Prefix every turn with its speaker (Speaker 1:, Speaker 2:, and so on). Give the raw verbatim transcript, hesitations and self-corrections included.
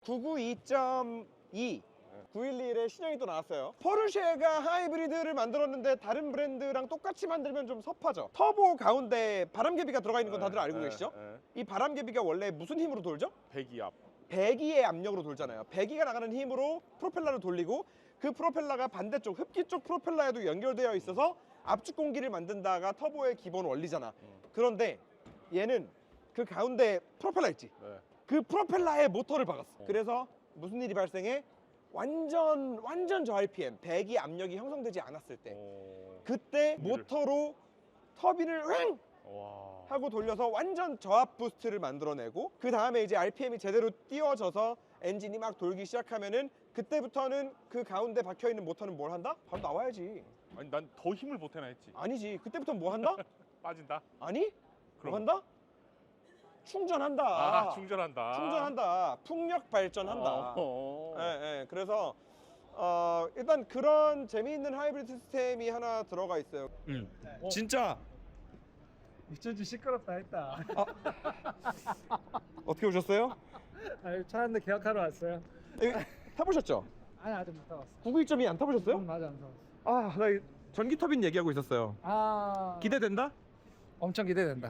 Speaker 1: 구백구십이 점 이 구백십일의 신형이 또 나왔어요. 포르쉐가 하이브리드를 만들었는데 다른 브랜드랑 똑같이 만들면 좀 섭하죠. 터보 가운데 바람개비가 들어가 있는 건 다들 알고
Speaker 2: 네,
Speaker 1: 계시죠?
Speaker 2: 네.
Speaker 1: 이 바람개비가 원래 무슨 힘으로 돌죠?
Speaker 2: 배기압.
Speaker 1: 배기의 압력으로 돌잖아요. 배기가 나가는 힘으로 프로펠러를 돌리고 그 프로펠러가 반대쪽 흡기 쪽 프로펠러에도 연결되어 있어서 압축 공기를 만든다가 터보의 기본 원리잖아. 그런데 얘는 그 가운데 프로펠러 있지?
Speaker 2: 네.
Speaker 1: 그 프로펠러에 모터를 박았어.
Speaker 2: 어.
Speaker 1: 그래서 무슨 일이 발생해? 완전 완전 저 알피엠 배기 압력이 형성되지 않았을 때
Speaker 2: 어...
Speaker 1: 그때
Speaker 2: 공기를.
Speaker 1: 모터로 터빈을 왱
Speaker 2: 와.
Speaker 1: 하고 돌려서 완전 저압 부스트를 만들어내고 그 다음에 이제 알피엠이 제대로 띄워져서 엔진이 막 돌기 시작하면은 그때부터는 그 가운데 박혀있는 모터는 뭘 한다? 바로 나와야지.
Speaker 2: 아니 난 더 힘을 보태나 했지.
Speaker 1: 아니지. 그때부터 뭐 한다?
Speaker 2: 빠진다.
Speaker 1: 아니? 뭐
Speaker 2: 그럼.
Speaker 1: 한다? 충전한다.
Speaker 2: 아, 충전한다.
Speaker 1: 충전한다. 풍력 발전한다.
Speaker 2: 어.
Speaker 1: 예, 예. 그래서 어, 일단 그런 재미있는 하이브리드 시스템이 하나 들어가 있어요. 음.
Speaker 3: 어.
Speaker 1: 진짜
Speaker 3: 이천주 시끄럽다 했다.
Speaker 1: 어떻게 오셨어요?
Speaker 3: 아, 차 한 대 계약하러 왔어요.
Speaker 1: 여기 타보셨죠?
Speaker 3: 아니 아직 못 타봤어.
Speaker 1: 구백이 점 이 안 타보셨어요?
Speaker 3: 응, 맞아 안 타봤어.
Speaker 1: 아, 나 이 전기 터빈 얘기하고 있었어요.
Speaker 3: 아
Speaker 1: 기대된다?
Speaker 3: 엄청 기대된다.